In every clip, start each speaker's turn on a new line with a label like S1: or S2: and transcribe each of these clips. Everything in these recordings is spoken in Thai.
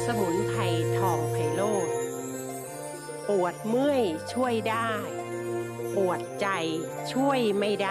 S1: สมุนไพรทองไพโรจน์ปวดเมื่อยช่วยได้ ปวดใจช่วยไม่ได้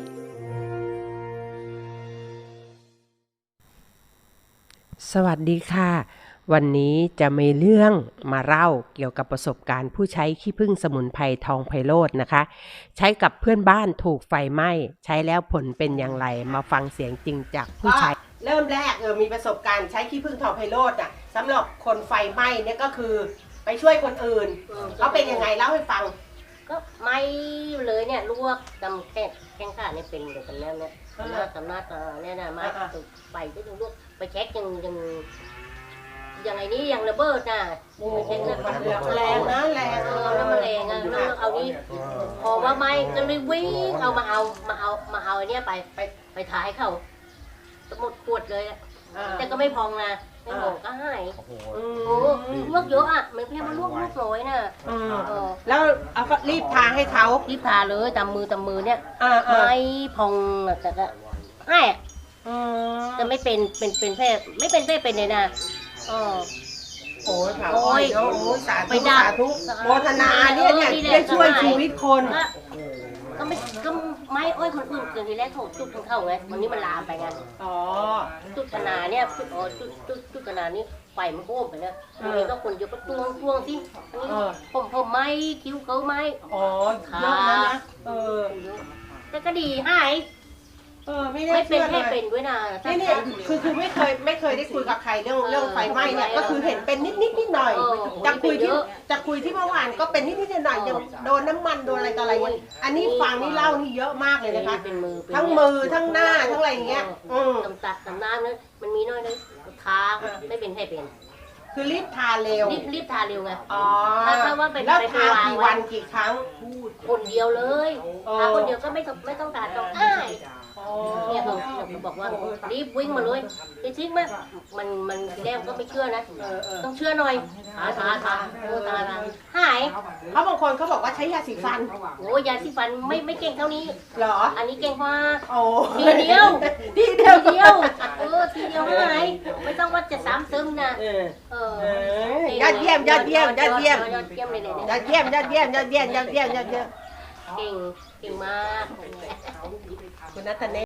S1: สวัสดีค่ะ วันนี้จะมีเรื่องมาเล่าเกี่ยวกับประสบการณ์ผู้ใช้ขี้ผึ้งสมุนไพรทองไพโรจน์นะคะ ใช้กับเพื่อนบ้านถูกไฟไหม้ใช้แล้วผลเป็นอย่างไรมาฟังเสียงจริงจากผู้ใช้เริ่มแรกมีประสบการณ์ใช้ขี้ผึ้งทองไพโรจน์สำหรับคนไฟไหม้เนี่ยก็คือไปช่วยคนอื่นเขาเป็นยังไงเล่าให้ฟัง
S2: ก็ไม่เลยเนี่ยลวกจำแข้งขาเนี่ยเป็นเหมือนกันแล้วเนี่ยสำนักเนี่ยนะมาไปก็ยังลวกไปเช็คยังไงนี่ยังระเบิดนะไปเช็คนะ
S1: แรงนะแรง
S2: แล้วมันแรงอ่ะแล้วเอานี่พอว่าไม่ก็เลยวิ่งเอามาเอาเนี่ยไปถ่ายเขาหมดขวดเลยแต่ก็ไม่พองนะไม่พองก็หายโอ้ลวกเยอะอ่ะไม่เพียงมาลวกน้อยนะ
S1: แล้วเอาก็รีบทาให้เขา
S2: รีบทาเลยตามมือเนี่ยไม่พองแต่ก็ให้จะไม่เป็นแพ้ไม่เป็นแพ้เป็นเลยนะ
S1: โอ้ยสาธุโมทนาเนี่ยได้ช่วยชีวิตคน
S2: ก็ไม่อ้อยคนอื่นเกิดทีแรกเขาจุดของเขาไงวันนี้มันลามไปไงจุดขนาเนี่ยจุดขนานี่ไฟมันโค้งไปเนี่ยวันนี้ก็คนเยอะก็ตวงสิผมไม่คิ้วเขาไม่
S1: เยอะนะ
S2: แต่ก็ดีหายไม่เป็นแค่เป็นด้วยนะ
S1: นี่คือไม่เคยได้คุยกับใครเรื่องไฟไหม้เนี่ยก็คือเห็นเป็นนิดหน่อยจะคุยที่เมื่อวานก็เป็นนิดหน่อยยังโดนน้ำมันโดนอะไรต่ออะไรอันนี้ฟังนี่เล่านี่เยอะมากเลยนะคะทั้งมือทั้งหน้าทั้งอะไรอย่างเงี้ย
S2: ตำน้ำเนี่ยมันมีน้อยเลยทาไม่เป็นให้เป็น
S1: คือรีบทาเร็ว
S2: รีบทาเร็วไง
S1: ถ้าว่าเป็นแล้วทากี่วันกี่ครั้ง
S2: คนเดียวเลยทาคนเดียวก็ไม่ต้องทาต้องเนี่ยเขาบอกว่ารีบวิ่งมาเลยจริงไหมมันทีแรกก็ไม่เชื่อนะต้องเชื่อหน่อยทาหาย
S1: เขาบางคนเขาบอกว่าใช้ยาสีฟัน
S2: โอ้ยาสีฟันไม่เก่งเท่านี้
S1: เหรอ
S2: อันนี้เก่งกว่า
S1: ทีเดียว
S2: ทีเดียวหายไม่ต้องว่าจะซ้ำซึมนะ
S1: ยอดเยี่ยมเลย
S2: ยอดเยี่ยมเก่งมาก
S1: คุณนัทเน